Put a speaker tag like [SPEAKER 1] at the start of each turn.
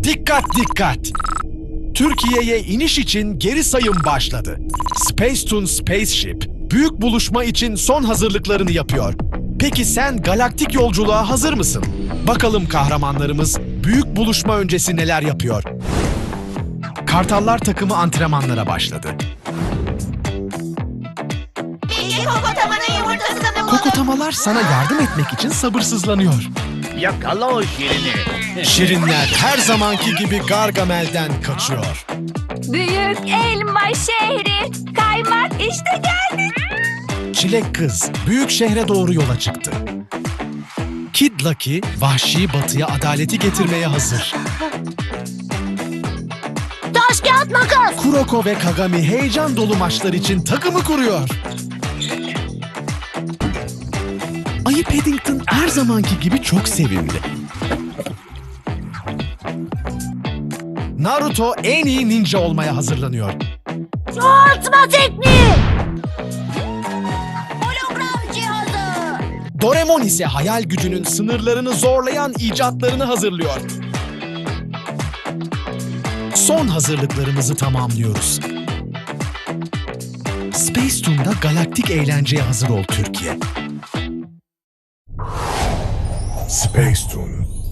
[SPEAKER 1] Dikkat dikkat! Türkiye'ye iniş için geri sayım başladı. Spacetoon Spaceship, büyük buluşma için son hazırlıklarını yapıyor. Peki sen galaktik yolculuğa hazır mısın? Bakalım kahramanlarımız büyük buluşma öncesi neler yapıyor? Kartallar takımı antrenmanlara başladı.
[SPEAKER 2] İki kokotamanın yumurtasını bulalım.
[SPEAKER 1] Kokotamalar sana yardım etmek için sabırsızlanıyor.
[SPEAKER 3] Yakala o şirini.
[SPEAKER 1] Şirinler her zamanki gibi Gargamel'den kaçıyor.
[SPEAKER 4] Büyük elma şehri, kaymak işte geldik.
[SPEAKER 1] Çilek kız büyük şehre doğru yola çıktı. Kid Lucky vahşi batıya adaleti getirmeye hazır.
[SPEAKER 2] Taş kağıt makas.
[SPEAKER 1] Kuroko ve Kagami heyecan dolu maçlar için takımı kuruyor. Ayı Paddington her zamanki gibi çok sevimli. Naruto en iyi ninja olmaya hazırlanıyor.
[SPEAKER 2] Çoğaltma tekniği. Hologram cihazı.
[SPEAKER 1] Doraemon ise hayal gücünün sınırlarını zorlayan icatlarını hazırlıyor. Son hazırlıklarımızı tamamlıyoruz. Spacetoon'da galaktik eğlenceye hazır ol Türkiye.
[SPEAKER 5] Spacetoon